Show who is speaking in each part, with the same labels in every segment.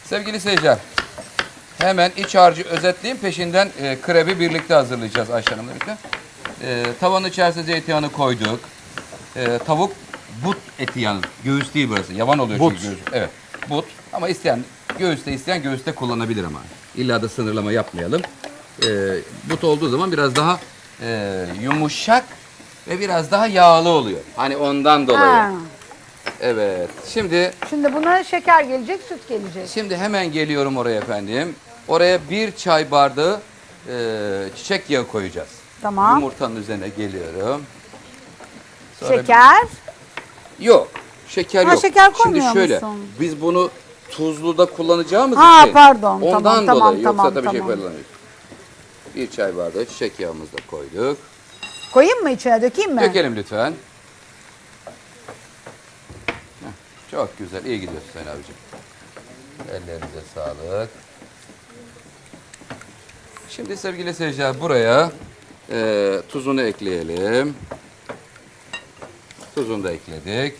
Speaker 1: Sevgili seyirciler, hemen iç harcı özetleyeyim. Peşinden krebi birlikte hazırlayacağız Ayşe Hanım'la birlikte. Tavanın içerisine zeytinyağını koyduk. Tavuk but eti yalnız. Göğüs değil burası. Yavan oluyor
Speaker 2: But.
Speaker 1: çünkü göğüs. Evet. But. Ama isteyen göğüste kullanabilir ama. İlla da sınırlama yapmayalım. But olduğu zaman biraz daha yumuşak ve biraz daha yağlı oluyor. Hani ondan dolayı.
Speaker 3: Ha.
Speaker 1: Evet. Şimdi
Speaker 3: Şimdi buna şeker gelecek, süt gelecek.
Speaker 1: hemen geliyorum oraya efendim. Oraya 1 çay bardağı çiçek yağı koyacağız.
Speaker 3: Tamam.
Speaker 1: Yumurtanın üzerine geliyorum. Sonra
Speaker 3: Şeker.
Speaker 1: Yok. Şeker
Speaker 3: Ha,
Speaker 1: yok.
Speaker 3: şeker
Speaker 1: Şimdi
Speaker 3: koymuyor
Speaker 1: şöyle.
Speaker 3: musun?
Speaker 1: Biz bunu tuzluda kullanacağımız
Speaker 3: Ha,
Speaker 1: için.
Speaker 3: pardon.
Speaker 1: Ondan
Speaker 3: Tamam,
Speaker 1: dolayı.
Speaker 3: tamam,
Speaker 1: Yoksa
Speaker 3: tamam,
Speaker 1: tabii şey
Speaker 3: tamam.
Speaker 1: kullanıyoruz. 1 çay bardağı çiçek yağımızı da koyduk.
Speaker 3: Koyayım mı içine, dökeyim mi?
Speaker 1: Dökelim lütfen. Heh, çok güzel. İyi gidiyorsun Sayın abicim. Ellerinize sağlık. Şimdi sevgili seyirciler buraya tuzunu ekleyelim. Tuzunu da ekledik.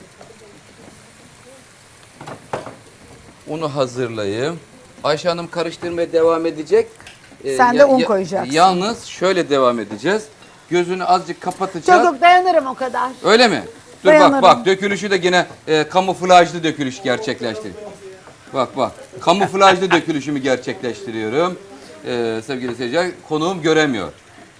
Speaker 1: Unu hazırlayayım. Ayşe Hanım karıştırmaya devam edecek.
Speaker 3: Sen de un koyacaksın.
Speaker 1: Yalnız şöyle devam edeceğiz. Gözünü azıcık kapatacağız.
Speaker 3: Çok dayanırım o kadar.
Speaker 1: Öyle mi? Dur
Speaker 3: Dayanırım.
Speaker 1: bak dökülüşü de yine kamuflajlı dökülüş gerçekleştir. Bak kamuflajlı dökülüşümü gerçekleştiriyorum. Sevgili seyirciler konuğum göremiyor.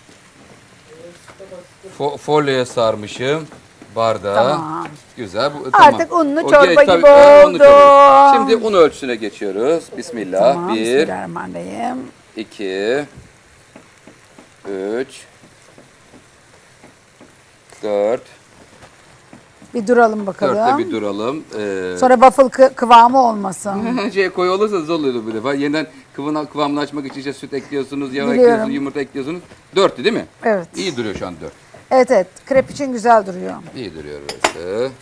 Speaker 1: Folyoya sarmışım bardağı.
Speaker 3: Tamam.
Speaker 1: Güzel.
Speaker 3: Artık unlu
Speaker 1: O
Speaker 3: çorba
Speaker 1: tabii,
Speaker 3: gibi
Speaker 1: unlu
Speaker 3: oldu.
Speaker 1: çorba. Şimdi un ölçüsüne geçiyoruz. Bismillah.
Speaker 3: Tamam,
Speaker 1: 1,
Speaker 3: bismillahirrahmanirrahim.
Speaker 1: 2, 3, 4.
Speaker 3: Bir duralım bakalım.
Speaker 1: Dörtte bir duralım.
Speaker 3: Sonra waffle kıvamı olmasın.
Speaker 1: Koyu olursa zor oluyor bu defa. Yeniden kıvamını açmak için işte süt ekliyorsunuz, yağ
Speaker 3: Biliyorum.
Speaker 1: ekliyorsunuz, yumurta ekliyorsunuz. 4'tü değil mi?
Speaker 3: Evet.
Speaker 1: İyi duruyor şu an 4.
Speaker 3: Evet, krep için güzel duruyor.
Speaker 1: İyi duruyor burası.